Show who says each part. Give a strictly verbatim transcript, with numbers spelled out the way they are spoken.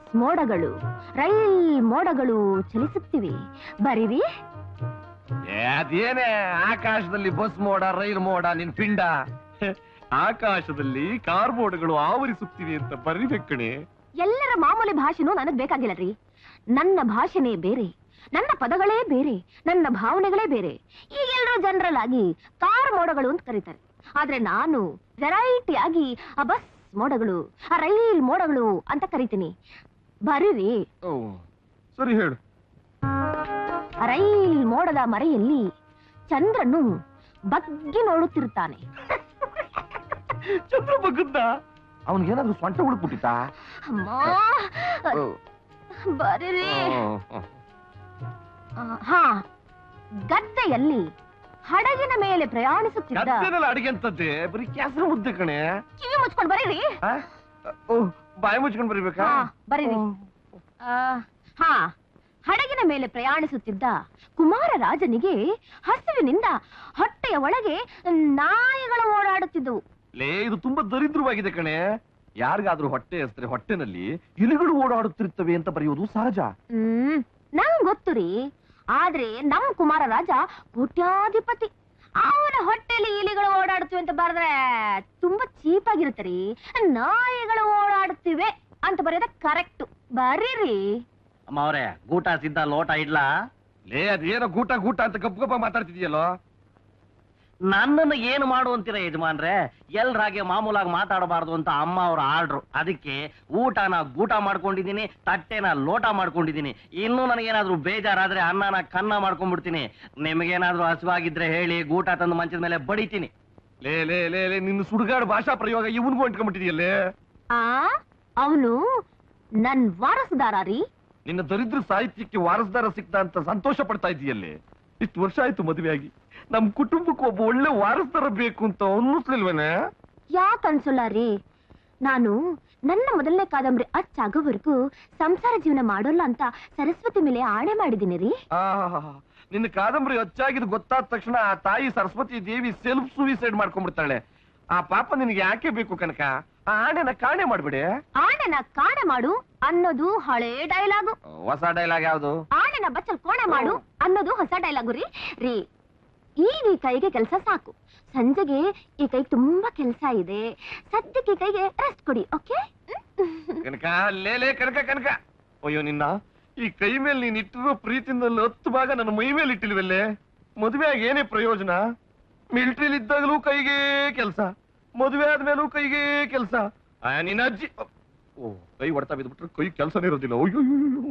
Speaker 1: ಮೋಡಗಳು ರೈಲ್ ಮೋಡಗಳು ಚಲಿಸುತ್ತಿವೆ, ಬರೀರಿ.
Speaker 2: ಅದೇನೇ ಆಕಾಶದಲ್ಲಿ ಬಸ್ ಮೋಡ ರೈಲ್ ಮೋಡ ನಿನ್ ಪಿಂಡ. ಆಕಾಶದಲ್ಲಿ ಕಾರ್ ಮೋಡಗಳು ಆವರಿಸುತ್ತಿವೆ ಅಂತ ಬರಿಬೇಕಣೆ.
Speaker 1: ಎಲ್ಲರ ಮಾಮೂಲಿ ಭಾಷೆನೂ ನನಗ್ ಬೇಕಾಗಿಲ್ಲ ರೀ. ನನ್ನ ಭಾಷೆನೇ ಬೇರೆ, ನನ್ನ ಪದಗಳೇ ಬೇರೆ, ನನ್ನ ಭಾವನೆಗಳೇ ಬೇರೆ. ಈಗ ಎಲ್ಲರೂ ಜನರಲ್ ಆಗಿ ಕಾರ್ ಮೋಡಗಳು ಅಂತ ಕರೀತಾರೆ, ಆದ್ರೆ ನಾನು ವೆರೈಟಿ ಆಗಿ ಆ ಬಸ್ ಮೋಡಗಳು ಆ ರೈಲ್ ಮೋಡಗಳು ಅಂತ ಕರಿತೀನಿ, ಬರೀರಿ.
Speaker 2: ಸರಿ ಹೇಳು.
Speaker 1: ರೈಲ್ ಮೋಡದ ಮರೆಯಲ್ಲಿ ಚಂದ್ರನು ಬಗ್ಗಿ ನೋಡುತ್ತಿರುತ್ತಾನೆ.
Speaker 2: ಚಂದ್ರ ಬಗ್ಗದ್ದ ಅವನ್ಗೇನಾದ್ರೂ ಸೊಂಟ ಉಳ್ಬಿಟ್ಟಿತ್ತ?
Speaker 1: ಅಮ್ಮ ಬರೀರಿ. ಹಾ, ಗದ್ದೆಯಲ್ಲಿ ಹಡಗಿನ ಮೇಲೆ ಪ್ರಯಾಣಿಸುತ್ತಿದ್ದ.
Speaker 2: ಅಡಿಗೆ ಅಂತದ್ದೆ ಬರೀ ಕ್ಯಾಸರ ಮುದ್ದೆ ಕಣೆ.
Speaker 1: ಕಿವಿ ಮುಚ್ಕೊಂಡು ಬರೀರಿ.
Speaker 2: ಬಾಯಿ ಮುಚ್ಕೊಂಡು ಬರೀಬೇಕಾ?
Speaker 1: ಬರೀರಿ. ಹಾ, ಹಡಗಿನ ಮೇಲೆ ಪ್ರಯಾಣಿಸುತ್ತಿದ್ದ ಕುಮಾರ ರಾಜನಿಗೆ ಹಸಿವಿನಿಂದ ಹೊಟ್ಟೆಯ ಒಳಗೆ ನಾಯಿಗಳು ಓಡಾಡುತ್ತಿದ್ದವು.
Speaker 2: ಲೇ, ಇದು ತುಂಬಾ ದರಿದ್ರವಾಗಿದೆ ಕಣೆ. ಯಾರಿಗಾದ್ರೂ ಹೊಟ್ಟೆ ಹಸಿದ್ರೆ ಹೊಟ್ಟೆನಲ್ಲಿ ಇಲಿಗಳು ಓಡಾಡುತ್ತಿರುತ್ತವೆ ಅಂತ ಬರೆಯುವುದು ಸಹಜ.
Speaker 1: ಹ್ಮ್ ನಂಗ್ ಗೊತ್ತು ರೀ, ಆದ್ರೆ ನಮ್ ಕುಮಾರ ರಾಜ ಕೋಟ್ಯಾಧಿಪತಿ. ಅವನ ಹೊಟ್ಟೆಯಲ್ಲಿ ಇಲಿಗಳು ಓಡಾಡುತ್ತಿವೆ ಅಂತ ಬರೆದ್ರೆ ತುಂಬಾ ಚೀಪ್ ಆಗಿರುತ್ತೆ ರೀ. ನಾಯಿಗಳು ಓಡಾಡುತ್ತಿವೆ ಅಂತ ಬರೆಯೋದ ಕರೆಕ್ಟ್, ಬರೀರಿ.
Speaker 3: ಅಮ್ಮ ಅವ್ರೆ, ಗೂಟ ಸಿದ್ಧ, ಲೋಟ ಇಡ್ಲಾ?
Speaker 2: ಲೇ, ಅದೇನೋ ಗೂಟ ಗೂಟ ಅಂತ ಗಪ್ ಗಪ್ಪ ಮಾತಾಡ್ತಿದ್ಯಲ್ಲೋ.
Speaker 3: ನನ್ನನ್ನು ಏನು ಮಾಡು ಅಂತೀರ ಯಜಮಾನ್ರೆ? ಎಲ್ರಾಗೆ ಮಾಮೂಲಾಗಿ ಮಾತಾಡಬಾರ್ದು ಅಂತ ಅಮ್ಮ ಅವ್ರ ಆರ್ಡ್ರು. ಅದಕ್ಕೆ ಊಟನ ಗೂಟ ಮಾಡ್ಕೊಂಡಿದೀನಿ, ತಟ್ಟೆನ ಲೋಟ ಮಾಡ್ಕೊಂಡಿದೀನಿ. ಇನ್ನೂ ನನಗೇನಾದ್ರೂ ಬೇಜಾರಾದ್ರೆ ಅನ್ನನ ಕನ್ನ ಮಾಡ್ಕೊಂಡ್ಬಿಡ್ತೀನಿ. ನಿಮಗೇನಾದ್ರೂ ಹಸುವಾಗಿದ್ರೆ ಹೇಳಿ, ಗೂಟ ತಂದು ಮಂಚದ ಮೇಲೆ ಬಡಿತೀನಿ.
Speaker 2: ಲೇ ಲೇ ಲೇ ಲೇ ನಿನ್ನ ಸುಡುಗಾಡು ಭಾಷಾ ಪ್ರಯೋಗ ಇವನ್ಗೂ ಅಂಟ್ಕೊಂಡ್ಬಿಟ್ಟಿದೆಯಲ್ಲೇ.
Speaker 1: ಆ ಅವನು ನನ್ ವಾರಸುದಾರ ರೀ.
Speaker 2: ನಿನ್ನ ದರಿದ್ರ ಸಾಹಿತ್ಯಕ್ಕೆ ವಾರಸದಾರ ಸಿಕ್ತ ಅಂತ ಸಂತೋಷ ಪಡ್ತಾ ಇದೆಯಲ್ಲೇ. ಇಷ್ಟು ವರ್ಷ ಆಯ್ತು ಮದುವೆ ಆಗಿ, ನಮ್ ಕುಟುಂಬಕ್ಕೆ ಒಬ್ಬ ಒಳ್ಳೆ ವಾರಸದಾರ ಬೇಕು ಅಂತ ಅನ್ನಿಸ್ಲಿಲ್ವೇನೆ?
Speaker 1: ಯಾಕೆ ಅನ್ಸಲ್ಲ ರೀ? ನಾನು ನನ್ನ ಮೊದಲನೇ ಕಾದಂಬರಿ ಅಚ್ಚಾಗೋವರೆಗೂ ಸಂಸಾರ ಜೀವನ ಮಾಡೋಲ್ಲ ಅಂತ ಸರಸ್ವತಿ ಮೇಲೆ ಆಣೆ ಮಾಡಿದ್ದೀನಿ ರೀ.
Speaker 2: ನಿನ್ನ ಕಾದಂಬರಿ ಅಚ್ಚಾಗಿದ್ದು ಗೊತ್ತಾದ ತಕ್ಷಣ ಆ ತಾಯಿ ಸರಸ್ವತಿ ದೇವಿ ಸೆಲ್ಫ್ ಸೂಯಿಸೈಡ್ ಮಾಡ್ಕೊಂಡ್ಬಿಡ್ತಾಳೆ. ಆ ಪಾಪ ನಿನಗೆ ಯಾಕೆ ಬೇಕು ಕನಕ? ಆ ಆಣೆನ ಕಾಣೆ ಮಾಡ್ಬಿಡಿ.
Speaker 1: ಆಣೆನ ಕಾಣೆ ಮಾಡು ಅನ್ನೋದು ಹಳೇ ಡೈಲಾಗು.
Speaker 2: ಹೊಸ ಡೈಲಾಗ್ ಯಾವ್ದು?
Speaker 1: ಆಣೆನ ಬಚ್ಚಲ್ ಕೋಣೆ ಮಾಡು ಅನ್ನೋದು ಹೊಸ ಡೈಲಾಗು ರೀ. ರೀ, ಈಗ ಈ ಕೈಗೆ ಕೆಲಸ ಸಾಕು. ಸಂಜೆಗೆ ಈ ಕೈಗೆ ತುಂಬಾ ಕೆಲಸ ಇದೆ. ಸದ್ಯಕ್ಕೆ ಈ ಕೈಗೆ ರೆಸ್ಟ್ ಕೊಡಿ, ಓಕೆ?
Speaker 2: ಕನಕ, ಲೇಲೇ ಕನಕ ಕನಕ, ಅಯ್ಯೋ ನಿನ್ನ ಈ ಕೈ ಮೇಲೆ ನೀನ್ ಇಟ್ಟಿರೋ ಪ್ರೀತಿಯಿಂದ ಹತ್ತು ಭಾಗ ನನ್ನ ಮೈ ಮೇಲೆ ಇಟ್ಟಿಲ್ವಲ್ಲೇ. ಮದುವೆ ಆಗಿ ಏನೇ ಪ್ರಯೋಜನ? ಮಿಲಿಟರಿಲಿ ಇದ್ದಾಗಲೂ ಕೈಗೆ ಕೆಲಸ, ಮದುವೆ ಆದ್ಮೇಲೂ ಕೈಗೆ ಕೆಲಸ. ನಿನ್ನ ಅಜ್ಜಿ ಓ ಕೈ ಹೊಡ್ತಾ ಬಿದ್ಬಿಟ್ರೆ ಕೈ ಕೆಲಸನೇ ಇರೋದಿಲ್ಲ. ಅಯ್ಯೋ